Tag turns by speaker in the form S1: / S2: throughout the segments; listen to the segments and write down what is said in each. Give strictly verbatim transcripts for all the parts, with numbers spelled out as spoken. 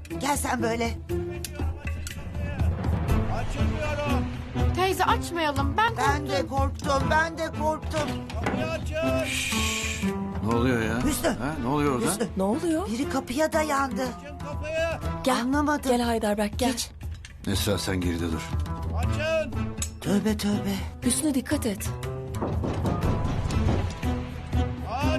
S1: Gel sen böyle.
S2: Açılmıyorum.
S3: Teyze açmayalım. Ben korktum.
S1: Ben de korktum, ben de korktum.
S2: Kapıyı açın.
S4: Ne oluyor ya?
S1: Hüsnü.
S4: Ha, ne oluyor orada?
S1: Hüsnü,
S5: Ne oluyor?
S1: biri kapıya dayandı.
S2: Açın kapıyı.
S5: Gel.
S1: Anlamadım.
S5: Gel Heidelberg gel.
S1: Geç.
S4: Esra sen geride dur.
S2: Açın.
S1: Tövbe tövbe.
S5: Hüsnü dikkat et.
S2: Aç.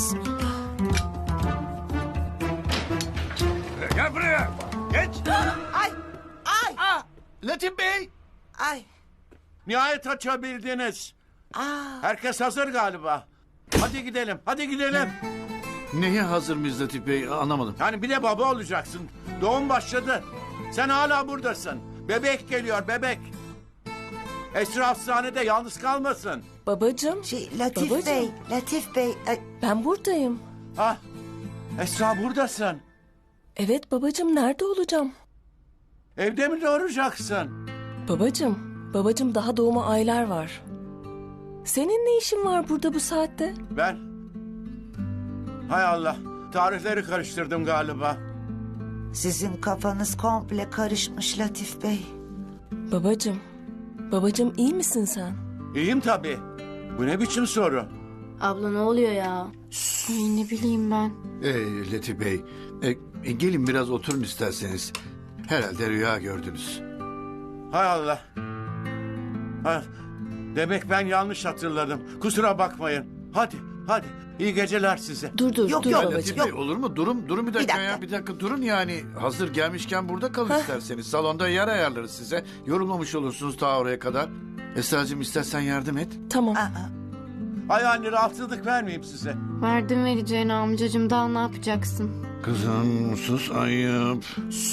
S4: Gel buraya. Geç.
S1: Ay, ay,
S4: Latif Bey.
S1: ay.
S2: Nihayet açabildiniz.
S1: Aa,
S2: Herkes hazır galiba. Hadi gidelim, hadi gidelim.
S4: Neye hazır mıyız Latif Bey? Anlamadım.
S2: Yani bir de baba olacaksın. Doğum başladı. Sen hala buradasın. Bebek geliyor, bebek. Esra hastanede yalnız kalmasın.
S5: Babacığım
S1: şey Latif
S5: Babacığım.
S1: Bey, Latif Bey. Ay,
S5: ben buradayım.
S2: Ah, Esra buradasın.
S5: Evet babacığım nerede olacağım?
S2: Evde mi doğuracaksın?
S5: Babacığım, babacığım daha doğuma aylar var. Senin ne işin var burada bu saatte?
S2: Ben... Hay Allah, tarihleri karıştırdım galiba.
S1: sizin kafanız komple karışmış Latif Bey.
S5: Babacığım, babacığım iyi misin sen?
S2: İyiyim tabii. Bu ne biçim soru?
S3: Abla ne oluyor ya? Ay ne bileyim ben.
S4: Ee, Latif Bey. e, e, gelin biraz oturun isterseniz. Herhalde rüya gördünüz.
S2: Hay Allah. Ha, demek ben yanlış hatırladım. Kusura bakmayın. Hadi, hadi. İyi geceler size.
S5: Dur dur
S1: Yok,
S5: dur
S1: yok,
S5: babacığım.
S4: Latif
S1: yok.
S4: Bey olur mu? Durun, durun bir dakika,
S1: dakika.
S4: ya. Bir dakika durun yani. Hazır gelmişken burada kalın isterseniz. Salonda yer ayarlarız size. Yorulmamış olursunuz ta oraya kadar. Esra'cığım istersen yardım et.
S5: Tamam.
S1: Aa,
S2: Ay anne rahatsızlık vermeyeyim size.
S3: Verdim vereceğini amcacığım. Daha ne yapacaksın?
S4: Kızım sus ayıp.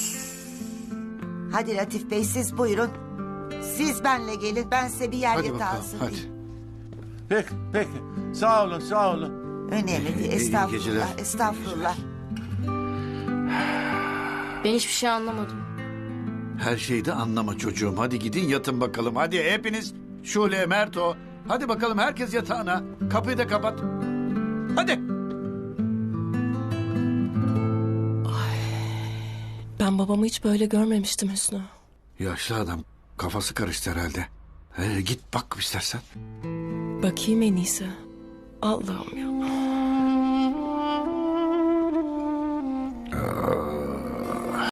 S1: hadi Latif Bey siz buyurun. Siz benle gelin. Ben size bir yer
S4: Hadi
S1: yatağı
S4: bakalım
S1: hazırlayayım.
S4: hadi.
S2: Peki, peki. Sağ olun, sağ olun.
S1: Önemli değil.
S4: İyi- iyi geceler.
S1: Estağfurullah. Estağfurullah.
S3: Ben hiçbir şey anlamadım.
S4: Her şeyi de anlama çocuğum. Hadi gidin yatın bakalım. Hadi hepiniz. Şule, Merto. Hadi bakalım herkes yatağına. Kapıyı da kapat. Hadi.
S5: Ben babamı hiç böyle görmemiştim Hüsnü.
S4: Yaşlı adam. Kafası karıştı herhalde. Ee, git bak istersen.
S5: Bakayım en iyisi. Allah'ım ya.